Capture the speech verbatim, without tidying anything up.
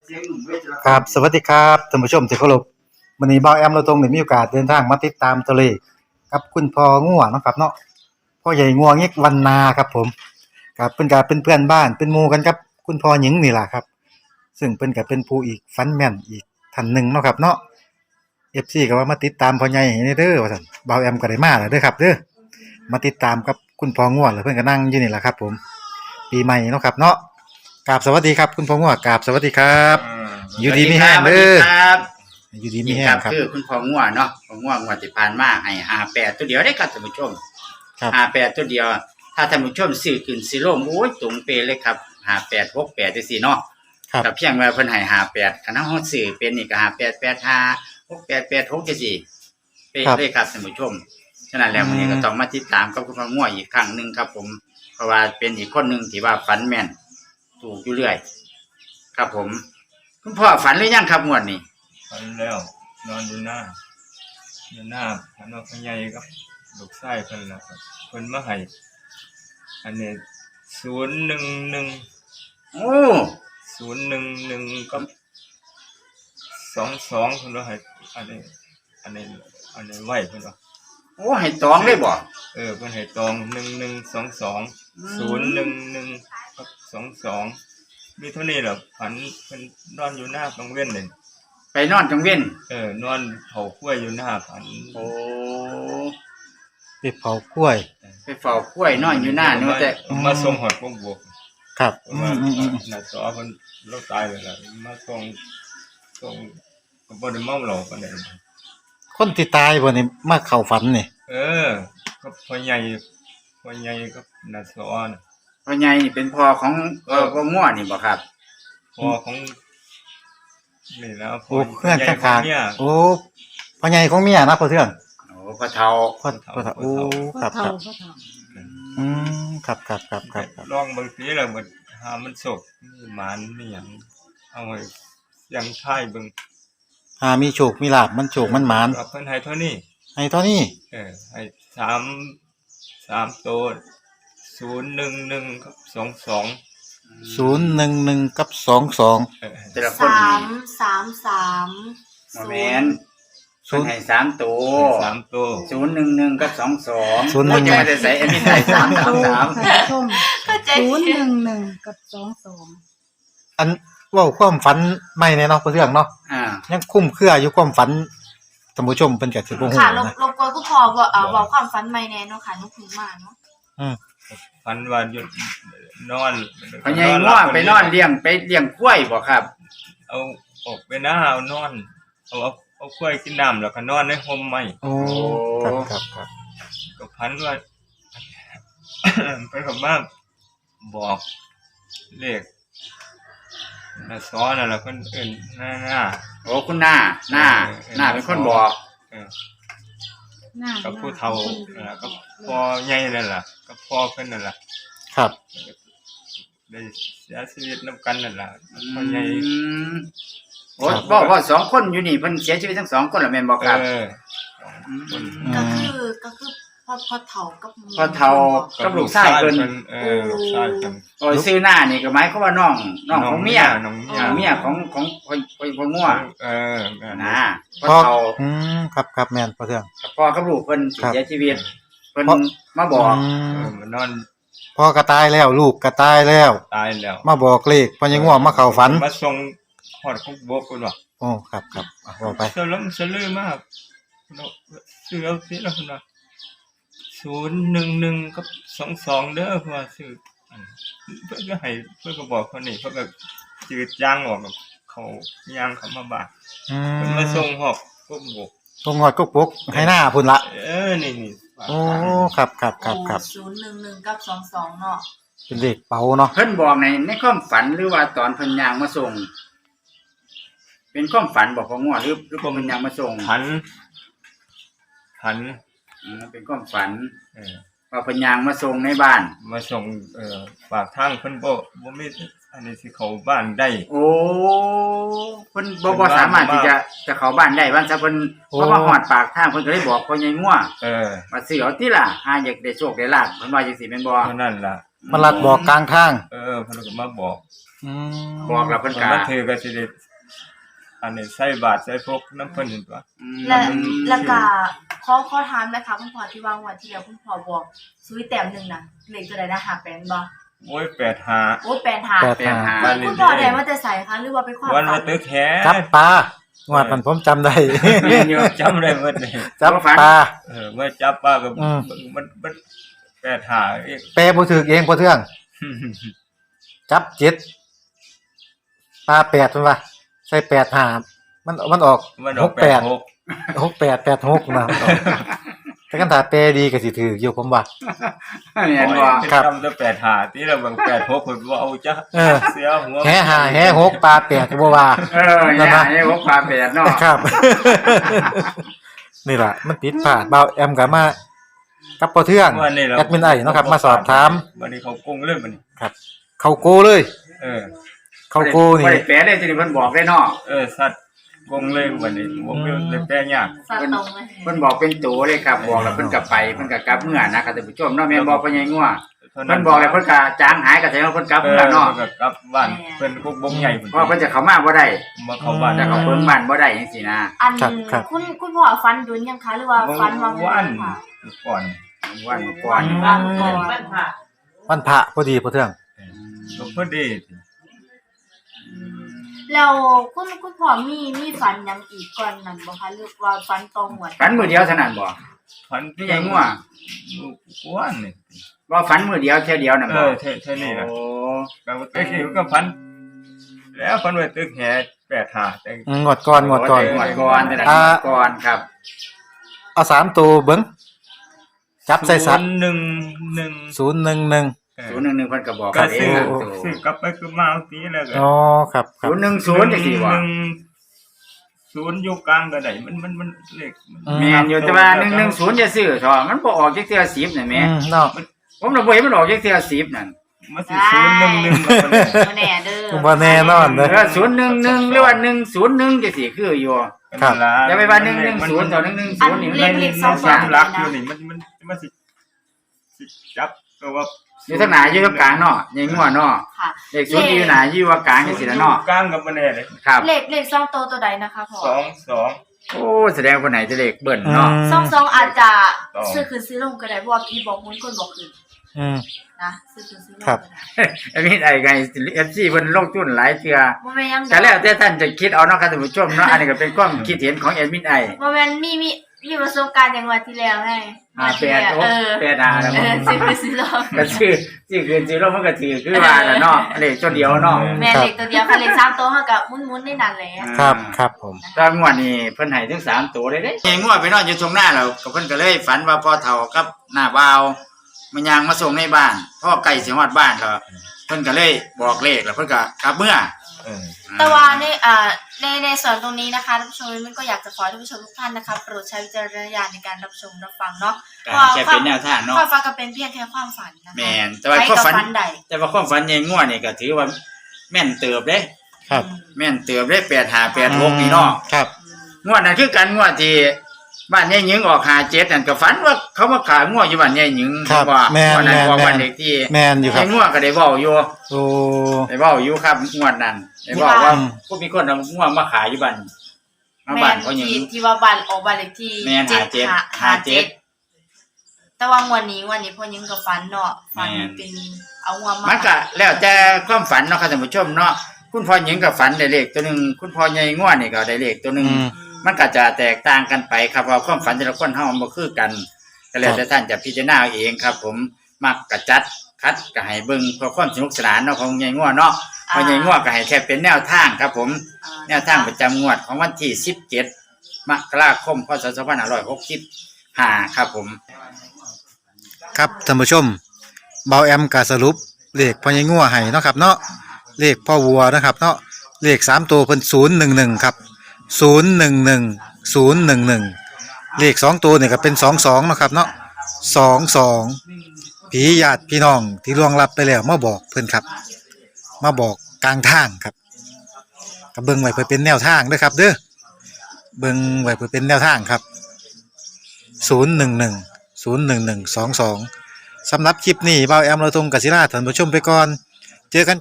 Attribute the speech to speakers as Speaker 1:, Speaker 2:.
Speaker 1: ครับสวัสดีครับท่านผู้ชมที่เคารพวันนี้บ่าวแอมเราตรงได้มีโอกาสเดินทางมาติดตามตัวเลขกับคุณพ่องัวเนาะครับเนาะพ่อใหญ่งัวเง็กวันนาครับผมครับเพิ่นก็เป็นเพื่อนบ้านเป็นหมู่กันครับคุณพ่อหญิงนี่ล่ะครับซึ่งเพิ่นก็เป็นผู้อีกฟันแม่นอีกท่านหนึ่งเนาะครับเนาะ เอฟ ซี ก็ว่ามาติดตามพ่อใหญ่ให้เด้อว่าซั่นบ่าวแอมก็ได้มาแล้วเด้อครับเด้อมาติดตามกับคุณพ่องัวแล้วเพิ่นก็นั่งอยู่นี่ล่ะครับผมปีใหม่เนาะครับเนาะกราบสวัสดีครับคุณพ่องัวกราบสวัสดีครับอยู่ดีมีแรงเด้อ
Speaker 2: ครับ
Speaker 1: อยู่ดีมีแรงครับ
Speaker 2: คือคุณพ่องัวเนาะพ่องัวงวดที่ผ่านมาให้ห้าแปดตัวเดียวได้ครับท่านผู้ชม
Speaker 1: ครับ
Speaker 2: ห้าแปดตัวเดียวถ้าท่านผู้ชมซื้อขึ้นสิลงโอ้ยตรงเป๊ะเลยครับห้าแปด หกแปดจังซี่เนาะก็เพียงว่าเพิ่นให้ห้าแปดคันเฮาซื้อเป็นนี่ก็ห้าแปด แปดห้า หกแปด แปดหกจังซี่เป๊ะเลยครับท่านผู้ชมฉะนั้นแล้วมื้อนี้ก็ต้องมาติดตามกับคุณพ่องัวอีกครั้งนึงครับผมเพราะว่าเป็นอีกคนนึงที่ว่าฝันแม่นถูกอยู่เรื่อยครับผมคุณพ่อฝันหรือยังครับงวดนี้
Speaker 3: ฝันแล้วนอนอยู่หน้าอยู่หน้าฝันว่าพ่อใหญ่กับลูกชายเพิ่นล่ะครับเพิ่นมาให้อันนี้ศูนย์หนึ่งหนึ่ง
Speaker 2: โอ้
Speaker 3: ศูนย์หนึ่งหนึ่งกับสองสองเพิ่นว่าให้อันนี้อันนี้อันนี้ไว้เพิ่นว่า
Speaker 2: โอ้ให้ตองเลยบ่
Speaker 3: เออเพิ่นให้ตองหนึ่งหนึ่งสองสองศูนย์หนึ่งหนึ่งกับสองสองมีเท่านี้แหละฝันเพิ่นนอนอยู่หน้ากลางเว้นเลย
Speaker 2: ไปนอนกลางเว้น
Speaker 3: เออนอนเผาข้วยอยู่หน้าฝัน
Speaker 2: โอ้
Speaker 1: ไปเผาข้วย
Speaker 2: ไปเฝ้าข้วยนอนอยู่หน้าเนาะแต่
Speaker 3: มาส่งหอดพวกบวก
Speaker 1: ครับ
Speaker 3: อืมๆน่ะสอเพิ่นเราตายแล้วล่ะมาส่งส่งก็บ่ได้เมาเหล้าปานใด
Speaker 1: คนที่ตายบ่นี่มาเข้าฝันนี่
Speaker 3: เออก็พ่อใหญ่พ่อใหญ่กับน่ะสอน่ะ
Speaker 2: พ่อใหญ่นี่เป็นพ่อของเอ่อพ่องัวนี่บ่ครับ
Speaker 3: พ่อของนี่แล้ว
Speaker 1: พ่อเพื่อนข้างๆโอ้พ่อใหญ่ของเมียนะพ่อเทื่อง
Speaker 2: โอ้พ่อเฒ่า
Speaker 1: พ่อพ่อเฒ่าโอ้ครับครับอืมครับๆๆ
Speaker 3: ๆลองเบิ่งสิแล้วมันหามันโศกมีหมานมีหยังเอาไว้ยังท้ายเบิ่ง
Speaker 1: หามีโชคมีลาภมันโชคมันหมาน
Speaker 3: เพิ่นให้เท่านี้
Speaker 1: ให้เท่านี้
Speaker 3: เออให้สาม สามตัวศูนย์หนึ่งหนึ่งกับสองสอง
Speaker 1: ศูนย์หนึ่งหนึ่งกับสองสอง
Speaker 2: แต่ละคน
Speaker 4: นี่สาม สาม
Speaker 2: สามบ่แม่นเพิ่นให้สามตัว
Speaker 3: สามตัว
Speaker 2: ศูนย์หนึ่งหนึ่งกับสองสอง
Speaker 1: ศูนย์หนึ่ง
Speaker 2: จะมาได้ใส่อันนี้ได้สาม สาม สาม
Speaker 4: ศูนย์หนึ่งหนึ่งกับสองสอง
Speaker 1: อันเว้าความฝันใหม่แน่เนาะเรื่องเนาะ
Speaker 2: อ่า
Speaker 1: ยังคุ้มเครืออยู่ความฝันท่านผู้ชมเพิ่นก็สิบ่ฮู้
Speaker 4: ค่ะรบรบกวนผู้พ่อบ่เอ่อเว้าความฝันใหม่แน่เนาะค่ะนุกขึ้นมาเนาะ
Speaker 1: อืม
Speaker 3: ฝันว่าหยุดนอน
Speaker 2: พ่อใหญ่ง้อไปนอนเลี้ยงไปเลี้ยงกล้วยบ่ครับ
Speaker 3: เอาออกไปหน้าเอานอนเอาเอากล้วยกินน้ำแล้วก็นอนในห่มไม้
Speaker 1: โอ้ครับๆ
Speaker 3: ๆก็ฝันว่าเพิ่นก็มาบอกเลขน่ะสอนนั่นล่ะเพิ่นเอิ้นหน้า
Speaker 2: โอ้คุณหน้าหน้าหน้าเป็นคนบอก
Speaker 3: เออหน้ากับผู้เฒ่าน่ะกับพ่อใหญ่นั่นล่ะกับพ่อเพิ่นนั่นล่ะ
Speaker 1: ครับ
Speaker 3: ได้เสียชีวิตนำกันนั่นล่ะพ่อใหญ่
Speaker 2: โอ้บอกว่าสองคนอยู่นี่เพิ่นเสียชีวิตทั้งสองคนล่ะแม่นบ่ครับ
Speaker 3: เออ
Speaker 4: ก็คือก็คือพ่อพ่อเฒ่ากับ
Speaker 2: พ่อเฒ่ากับลูกชายเพิ่น
Speaker 3: เออลูกชายเพิ่น
Speaker 2: โอ้ชื่อหน้านี่ก็หมายความว่าน้องน้องของเมีย
Speaker 3: น้องเมีย
Speaker 2: เมียของของพ่อพ่องัว
Speaker 3: เออ
Speaker 2: นะพ่อเฒ่า
Speaker 1: อืมครับๆแม่นพ่อเทื่อง
Speaker 2: พ่อกับลูกเพิ่นเสียชีวิตเพิ่นมาบอก
Speaker 3: เออมานอน
Speaker 1: พ่อก็ตายแล้วลูกก็ตายแล้ว
Speaker 3: ตายแล้ว
Speaker 1: มาบอกเลขพ่อใหญ่งัวมาเข้าฝัน
Speaker 3: มาส่งฮอดคุกบกเพิ่นว่า
Speaker 1: โอ้ครับๆอ่ะว่าไป
Speaker 3: สลมสลือมากซื้อเอาสิแล้วเพิ่นว่าศูนย์หนึ่งหนึ่งกับสองสองเด้อเพิ่นว่าซื้อเพิ่นก็ให้เพิ่นก็บอกเพิ่นนี่เพิ่นก็จืดยางออกเขายางเข้ามาบาด
Speaker 1: อืม
Speaker 3: เพิ่นมาส่งฮอดคุกบก
Speaker 1: ส่งฮอดคุกบกให้หน้าพุ่นละ
Speaker 3: เออนี่
Speaker 1: ๆโอ้ครับๆๆ
Speaker 4: ศูนย์หนึ่งหนึ่งกับสองสองเนาะ
Speaker 1: เป็นเลขเป๋าเนาะ
Speaker 2: เพิ่นบอกในในความฝันหรือว่าตอนเพิ่นย่างมาส่งเป็นความฝันบอกของงัวหรือหรือเพิ่นย่างมาส่ง
Speaker 3: ฝันฝัน
Speaker 2: อือเป็นความฝัน
Speaker 3: เออ
Speaker 2: ว่าเพิ่นย่างมาส่งในบ้าน
Speaker 3: มาส่งเอ่อฝากทางเพิ่นบ่บ่มีอันนี้สิเข้าบ้านได้
Speaker 2: โอ้เพิ่นบ่บ่สามารถที่จะจะเข้าบ้านได้ว่าซะเพิ่นเพราะว่าฮอดปากทางเพิ่นก็เลยบอกพ่อใหญ่งัว
Speaker 3: เออ
Speaker 2: มาซื้อเอาติล่ะหาอยากได้โชคได้ลาภเพิ่นว่าจังซี่แม่นบ่
Speaker 3: นั่นล่ะ
Speaker 1: มาลัดบอกกลางทาง
Speaker 3: เออเพิ่นก็มาบอก
Speaker 1: อืม
Speaker 2: บอกแล้วเพิ่น
Speaker 3: คัน
Speaker 2: ก็
Speaker 3: มันถือก็สิได้อันนี้ใส่บาตรใส่พกน้ำเพิ่นนี่ตัว
Speaker 2: อืม
Speaker 4: และแล้วก็ขอขอถามนะคะคุณพ่อที่วางวันที่แล้วคุณพ่อบอกซุยแต้มหนึงน่ะเลขตัวใดนะหาแปนบ่
Speaker 3: โอ้ยแปดห้า
Speaker 4: โอ้แปนหา
Speaker 1: แปด
Speaker 2: เป็นหา
Speaker 3: บ้าน
Speaker 4: คุณพ่อได้มาแต่ใส่คะหรือว่าเป็นความ
Speaker 3: วัน
Speaker 4: ฝั
Speaker 3: มาน ตึกแท้
Speaker 1: จับปลางวดมันผมจำได้
Speaker 2: แม่นอยู่
Speaker 3: จำได้หมดเลย
Speaker 1: จับปลา
Speaker 3: เออเมื่อจับป้าก็
Speaker 1: อืม
Speaker 3: มันมันแปดห้าอีก
Speaker 1: แปลบ่ถูกเองบ่เทื่องจับเจ็ดปลาแปดเพิ่นว่าใส่แปดห้ามันมันออก
Speaker 3: มันอ
Speaker 1: ห
Speaker 3: อก
Speaker 1: ก
Speaker 3: แป
Speaker 1: แป
Speaker 3: ด
Speaker 1: ด
Speaker 3: หก
Speaker 1: หกแปดแปดหกนะมันออกแต่คันถ้าแปลดีก็สิถูกอยู่ผมว่า
Speaker 2: แม่นบ่
Speaker 1: ครับ
Speaker 3: จำแต่แปดห้าที่เราบางแปดหกผมว่าเอาจ้ะ
Speaker 1: เออ
Speaker 3: เสียหัว
Speaker 1: แห่ห้าแห่หกปลาแปดก็บ่ว่า
Speaker 2: เอออย่าให้พวกความแปดเนาะ
Speaker 1: ครับ นี่ล่ะมันผิดพลาดเบาแอมก็มากับพ่อเทื่อง
Speaker 3: วันนี้เรา
Speaker 1: แอดมินไอ้เนาะครับ มาสอบถาม
Speaker 3: วันนี้เขากงเรื่องมัน
Speaker 1: ครับ เข้าโกเลย
Speaker 3: เออ
Speaker 1: เข้าโกนี่
Speaker 2: บ่ได้แปลได้สิเพิ่นบอกได้เนาะ
Speaker 3: เออสัตว์กงเลยวันนี้ผมเรื่องเลยแปลยาก
Speaker 4: สัตว์ตรงเลย
Speaker 2: เพิ่นบอกเป็นตัวเลยครับบอกแล้วเพิ่นก็ไปเพิ่นก็กลับเมื่อนะครับท่านผู้ชมเนาะแม่นบอกเพิ่นยังงัว
Speaker 3: เท่า
Speaker 2: เพิ่นบอกแล้วเพิ่นก็จางหายก็แสดงว่าเพิ่นกลับ
Speaker 3: เออ
Speaker 2: เมื่อเนาะ
Speaker 3: เพิ่นก็กลับบ้านเพิ่นกุกบงใหญ่
Speaker 2: เพราะเพิ่นจะเข้ามาบ่ได้
Speaker 3: มาเข้าบ้าน
Speaker 2: จะเข้าเบิ่งบ้านบ่ได้จังซี่นะ
Speaker 4: อัน
Speaker 1: ครับครับ
Speaker 4: คุณคุณพ่อฟันดุนยังคะหรือว่าฟันวาง
Speaker 3: วัน
Speaker 4: ค่ะ
Speaker 3: ก่อน
Speaker 2: วันก่อน
Speaker 4: วางก่อน
Speaker 1: วันพระพอดีพ่อเทื่อง
Speaker 3: ก็พอดี
Speaker 4: แล้วคุณคุณพ่อมีมีฝันหยังอีกก่อนนั้นบ่คะหรือว่าฝันตรงหมด
Speaker 2: ฝันมื้อเดียวเท่านั้นบ่
Speaker 3: พัน
Speaker 2: นี่ยังงัว
Speaker 3: วันนี่
Speaker 2: ว่าฝันมื้อเดียวแค่เดียวน่ะ
Speaker 3: เอ
Speaker 2: บ่
Speaker 3: อเท่าเท่านี้แหละ
Speaker 2: โอ้
Speaker 3: ก็ตึกนี่ก็พันแล้วพันไว้ตึกแห่แปดหาแต่
Speaker 1: อืมงวดก่อนงวดก่อน
Speaker 2: งวดก่อนแต่ละ
Speaker 1: อ่า
Speaker 2: งวดก่อนครับ
Speaker 1: เอาสามตัวเบิ่งจับใส่สัตว์
Speaker 3: หนึ่งหนึ่ง
Speaker 1: ศูนย์หนึ่งหนึ่ง
Speaker 2: ศูนย์หนึ่งหนึ่งเพิ่นก็บอก
Speaker 3: ก็
Speaker 2: กันเอ
Speaker 3: ซื้
Speaker 2: ง
Speaker 3: อ
Speaker 2: ครับ
Speaker 3: ซื้อกลับไปคือมาเอาตีแล้วก็
Speaker 1: อ๋อครับครับ
Speaker 2: ศูนย์หนึ่งศูนย์จังซี่บ่
Speaker 3: หนึ่งศูนย์อยู่กลางก็ได้มันมันมันเลข
Speaker 1: อื
Speaker 2: แม่นอยู่แต่ว่าหนึ่งหนึ่งศูนย์จะซื้อเถอะมันบ่ออกจักเทื่อสิบน่ะแม่
Speaker 1: อืมเนาะ
Speaker 2: ผมน่ะบ่เห็นมันออกจักเทื่อสิบนั่น
Speaker 3: มันสิศูนย์หนึ่งหนึ่งกับมัน
Speaker 4: บ่แน่เด้อ
Speaker 1: บ่แน่นอนเด้อ
Speaker 2: เออศูนย์หนึ่งหนึ่งหรือว่าหนึ่งศูนย์หนึ่งจังซี่คืออยู่
Speaker 1: ครับ
Speaker 2: อย่าไปว่าหนึ่งหนึ่งศูนย์ต่อหนึ่งหนึ่งศูนย์นี่
Speaker 3: เล
Speaker 2: มัน
Speaker 3: ข
Speaker 2: ไม่
Speaker 3: เลขสองสามลักอยู่นี่มันมันมันสิสิจับก็ว่า
Speaker 2: อยู่ทางหน้าอยู่กับกลางเนาะใหญ่งัวเนาะ
Speaker 4: ค่ะ
Speaker 2: เลขศูนย์อยู่หน้าอยู่ว่ากลางจังซี่ล่ะเนาะ
Speaker 3: กลางกับมันแน่เลย
Speaker 2: ครับ
Speaker 4: เลขเลขสองตัวตัวใดนะคะพ่อ
Speaker 3: สองสอง
Speaker 2: โอ้แสดงว่าไหนจะเลขเบิ่นเนาะ
Speaker 4: สองสองอาจจะ
Speaker 3: สอง
Speaker 4: ซื้อคืนซื้อลงก็ได้เพราะว่าพี่บอกมุ้นคนบอกคืน
Speaker 1: อืม
Speaker 4: นะซื้อคืนซื้อลง
Speaker 1: ครับ
Speaker 4: ก็ได้
Speaker 2: อันนี้ไอ้ไง เอฟ ซี เพิ่นลงทุนหลายเทื่อ
Speaker 4: บ่แม่นยัง
Speaker 2: แต่แล้วแต่ท่านจะคิดเอาเนาะครับท่านผู้ชมเนาะอันนี้ก็เป็นความคิดเห็นของแอดมินไอ
Speaker 4: บ่แม่นมีมีมีประสบการณ์อย่างวันที่แล้วไง
Speaker 2: อ่า
Speaker 4: วัน
Speaker 2: แป
Speaker 4: ที่
Speaker 2: ด
Speaker 4: แล้ว
Speaker 2: โอ้
Speaker 4: เออ
Speaker 2: แปดอ่าแล้ว
Speaker 4: เออซื้อคืนซื้อลง
Speaker 2: ก็ชื่อชื่อคืนชื่อลงมันก็ถือคือว่าล่ะเนาะเลขตัวเดียวเนาะ
Speaker 4: แม่เลขตัวเดียวค่ะเลขสามตัวเฮาก็หมุนๆได้นั่นแหละ
Speaker 1: ครับครับผม
Speaker 2: ตอนงวดนี้เพิ่นให้ถึงสามตัวเลยเด้เงวดไปนอนอยู่ตรงหน้าแล้วก็เพิ่นก็เลยฝันว่าพ่อเฒ่ากับหน้าบ่าวมันยางมาส่งในบ้านพ่อไก่สิฮอดบ้านก็เพิ่นก็เลยบอกเลขแล้วเพิ่นก็กลับเมื่อ
Speaker 3: เออ
Speaker 4: แต่ว่าในอ่าในในส่วนตรงนี้นะคะท่านผู้ชมมันก็อยากจะขอให้ท่านผู้ชมทุกท่านนะคะโปรดใช้วิจารณญาณในการรับชมรับฟังเนาะ
Speaker 2: การแค่เป็นแนวทางเนาะ
Speaker 4: ความฝันก็เป็นเพียงแค่ความฝันนะคะ
Speaker 2: แม่นแต่ว่า
Speaker 4: ใคร
Speaker 2: ความ
Speaker 4: ก็
Speaker 2: ฝัน
Speaker 4: ฝันใด
Speaker 2: แต่ว่าความฝันยังงัวนี่ก็ถือว่าแม่นเติบเด้
Speaker 1: ครับ
Speaker 2: แม่นเติบเด้แปดห้าแปดหกนี่เนาะ
Speaker 1: ครับ
Speaker 2: งวดนั้นคือกันงวดที่บ้านยายหญิงออกห้าเจ็ดนั่นก็ฝันว่าเขามาขายงัวอยู่บ้านยายหญิง
Speaker 1: ครับ
Speaker 2: ว่า
Speaker 1: แม่น
Speaker 2: วันนั้น
Speaker 1: แม่น
Speaker 2: บอก
Speaker 1: แม่น
Speaker 2: บ้านเด็กที่
Speaker 1: แม่นอยู่ครับ
Speaker 2: ยายงัวก็ได้เว้าอยู่
Speaker 1: โอ้
Speaker 2: ได้เว้าอยู่ครับงวดนั้นได้เว้าว่า
Speaker 1: อืม
Speaker 2: ผู้มีคนเอางัวมาขายอยู่บ้านมา
Speaker 4: แม่
Speaker 2: บ้าน
Speaker 4: น
Speaker 2: เขาหญิง
Speaker 4: ที่ที่ว่าบ้านออกบ้านเลขที่
Speaker 2: แม่น
Speaker 4: เจ็ด
Speaker 2: ห้า
Speaker 4: ห้า
Speaker 2: เจ็
Speaker 4: เจ็
Speaker 2: ด
Speaker 4: ดแต่ว่างวันนี้วันนี้พ่อยิงกับฝันเนาะฝัน
Speaker 2: แม่น
Speaker 4: เป็นเอางัวมา
Speaker 2: มันก็แล้วแต่ความฝันเนาะครับท่านผู้ชมเนาะคุณพ่อหญิงก็ฝันได้เลขตัวหนึงคุณพ่อใหญ่งัวนี่ก็ได้เลขตัวหนึง
Speaker 1: อืม
Speaker 2: มันก็จะแตกต่างกันไปครับว่าความฝันแต่ละคนเฮามันบ่คือกันก็แล้วแต่ท่านจะพิจารณาเอาเองครับ ผมมักกะจัดคัดก็ให้เบิ่งเพื่อความสนุกสนานเนาะของใหญ่งัวเนาะเพราะใหญ่งัวก็ให้แค่เป็นแนวทางครับผม
Speaker 4: อ่า
Speaker 2: แนวทางประจำงวดของวันที่สิบเจ็ดมกราคมพศสองพันห้าร้อยหกสิบห้าครับผม
Speaker 1: ครับท่านผู้ชมเบาแอมก็สรุปเลขพ่อใหญ่งัวให้เนาะครับเนาะเลขพ่อวัวนะครับเนาะเลขสามตัวเพิ่นศูนย์หนึ่งหนึ่งครับศูนย์หนึ่งหนึ่งศูนย์หนึ่งหนึ่งเลขสองตัวเนี่ยก็เป็นสองสองนาะครับเนาะสองสองผีญาติพี่น้องที่ล่วงลับไปแล้วมาบอกเพิ่นครับ มาบอกกลางทางครับก็เบิ่งไว้เพื่อเป็นแนวทางเด้อครับ เด้อเบิ่งไว้เพื่อเป็นแนวทางครับศูนย์หนึ่งหนึ่งศูนย์หนึ่งหนึ่งสองสองสำหรับคลิปนี้เบาแอมเราตรงกศิราท่านผู้ชมไปก่อนเจอกัน